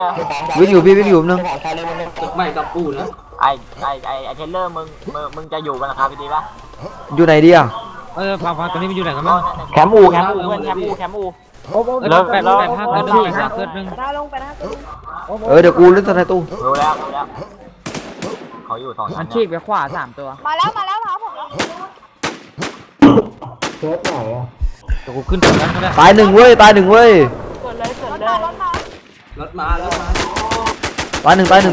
วิ่งอยู่พี่วิ่งอยู่นึงไม่กับกูนะไอเทเลอร์มึงจะอยู่บนหลังคาพี่ดีป่ะอยู่ไหนดีอ่ะฟังตอนนี้มันอยู่ไหนกันบ้างแคมป์อูเพื่อนแคมป์อูแล้วแบบภาคเกิดหนึ่งภาคเกิดหนึ่งเดี๋ยวกูเล่นสไนตู้รู้แล้วเขาอยู่2 มันฉีกไปขวา3 ตัวมาแล้วครับผมแล้วเดี๋ยวกูขึ้นตรงนั้นก็ได้ตายหนึ่งเว้ยรถมารถมารถมาตายหนึ่งเอิบ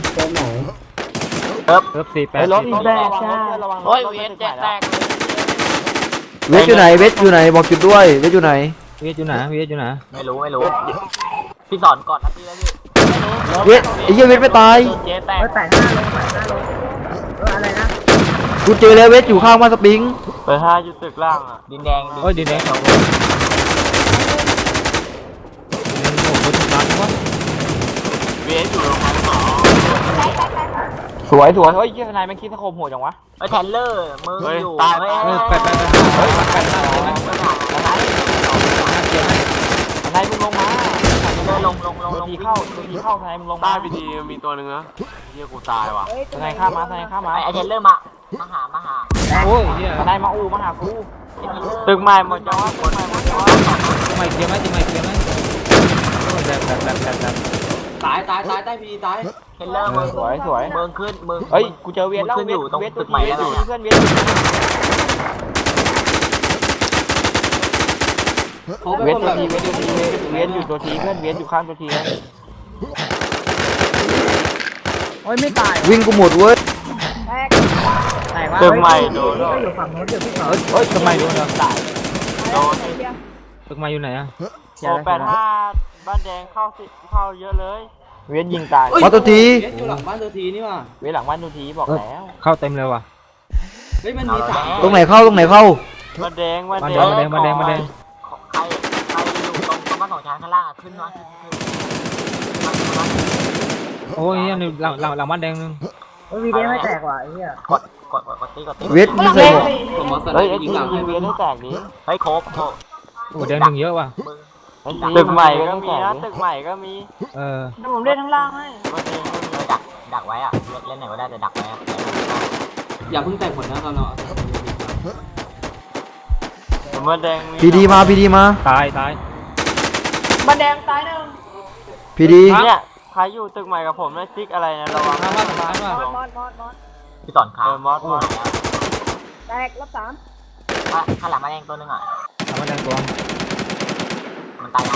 เริ่ม48 รถแตกโอ้ยเวียนแตกเวทอยู่ไหนเวทอยู่ไหนบอกจุดด้วยเวทอยู่ไหนเวียดอยู่ไหนเวียดอยู่ไหนไม่รู้พี่สอนก่อนนะพี่แล้วพี่เวทไอ้เหี้ยเวทไม่ตายเจ๊แตก 8 5 ลง อะไรนะกูเจอแล้วเวทอยู่ข้างบ้านสปริงเปิด5อยู่ตึกล่างอ่ะดินแดงโอ้ยดินแดงโอ้โหทุกร้านวะเวียนอยู่โรงพยาบาลสวยเฮ้ยเฮียนายมันคิดสะโคมโหดจังวะไอเทเลอร์มึงอยู่แปดเฮ้ยแปดนายมึงลงมาลงทีเข้าทนายมึงลงมาใต้พิธีมีตัวหนึ่งนะเฮียกูตายว่ะทนายข้ามมาไอเทเลอร์มาหาโอ้ยเฮียทนายมาอูมาหากูตึกใหม่หมดจังวะตึกใหม่หมดจังวะทำไมเกียร์ไหมแบบตายใต้พีตายเทเลอร์มึงสวยมึงขึ้นมึงเฮ้ยกูเจอเวียนแล้วขึ้นอยู่ตรงเวียนตึกใหม่แล้วเพื่อนเวียนเขาเป็นเวียนคนตัวแบบทีเวียนอยู่ตัวทีเพื่อนเวียนอยู่ข้างตัวทีนะโอ้ยไม่ตายวิ่งกูหมดเว้ยแตกว่าตึกใหม่โดนก็อยู่ฝั่งโน้นเดี๋ยวพี่ขอเฮ้ยทำไมโดนอ่ะโดนตึกมาอยู่ไหนอ่ะโอ้85บ้านแดงเข้าเยอะเลยเวียนยิงตายมาตัวทีอยู่หลังบ้านตัวทีนี่ว่ะเวียนหลังบ้านตัวทีบอกแล้วเข้าเต็มเลยว่ะเฮ้ยมันมี3 ตรงไหนเข้าบ้านแดงมาแดงใครอยู่ตรงบ้าน2 ชั้นข้างล่างขึ้นมาโอ้ยนี่หลังบ้านแดงนึงโอ้ยวีเดไม่แตกว่ะไอ้เหี้ยกดตีเวทไม่ใส่หมวกผมมาสเฮ้ไลยด์ยิงหลังให้เวียนให้แตกดิเฮ้ยโคบโอ้แดงหนึ่งเยอะว่ะตึกใหม่ก็มีนะตึกใหม่ก็มีเออเดี๋ยวผมเล่นข้างล่างให้ดักไว้อะเล่นไหนก็ได้แต่ดักไว้อะอย่าเพิ่งแตกผลนะตอนเราบ้านแดงพีดีมาตายบันแดงตายหนึ่งพีดีเนี่ยใครอยู่ตึกใหม่กับผมนะซิกอะไรนะระวังข้างบ้านข้างบ้านมอดพี่สอนขาวมอสแตกรอบ3 ข้างหลังมาแดงตัวนึงอ่ะหลังบ้านแดงตัวมันตายยัง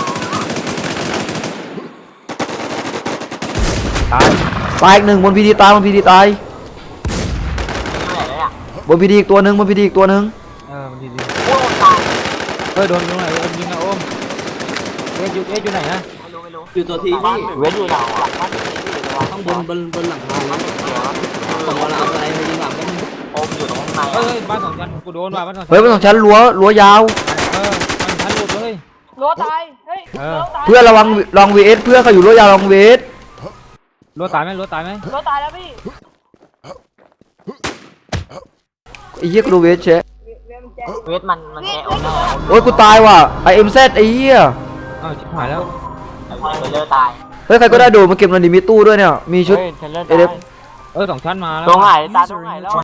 ตายตายอีกหนึ่งบนพีดีตายบนพีดีตายไม่ไหนเลยอ่ะบนพีดีอีกตัวหนึ่งมันดีโอ้ตายโดนตรงไหนยิงนะโอมเวียนอยู่ไหนนะไม่รู้อยู่ตัวทีพี่เวียนอยู่หลังข้างบนหลังคาผมเอาสไลด์ไปยิงหลังก็มีโอมอยู่ตรงข้างในเฮ้ยบ้านสองชั้นกูโดนว่ะบ้านสองชั้นเฮ้ยมันของฉันรั้วยาวบ้านชั้นหลุดเลยรั้วตายเฮ้ยรั้วตายเพื่อนระวังลองเวทเพื่อนเขาอยู่รั้วยาวลองเวทรั้วตายไหมรั้วตายแล้วพี่ไอ้เหี้ยกูดูเวทเชะเวทมันแกะโอมได้โอ้ยกูตายว่ะไอเอ็มเซไอ้เหี้ยอ้าวชิบหายแล้วเทเลอร์ตายเฮ้ยใครก็ได้โดดมาเก็บหน่อยดิมีตู้ด้วยเนี่ยมีชุดเทเลอร์เอเดฟสองชั้นมาแล้วตรงไหนตาตรงไหนแล้ว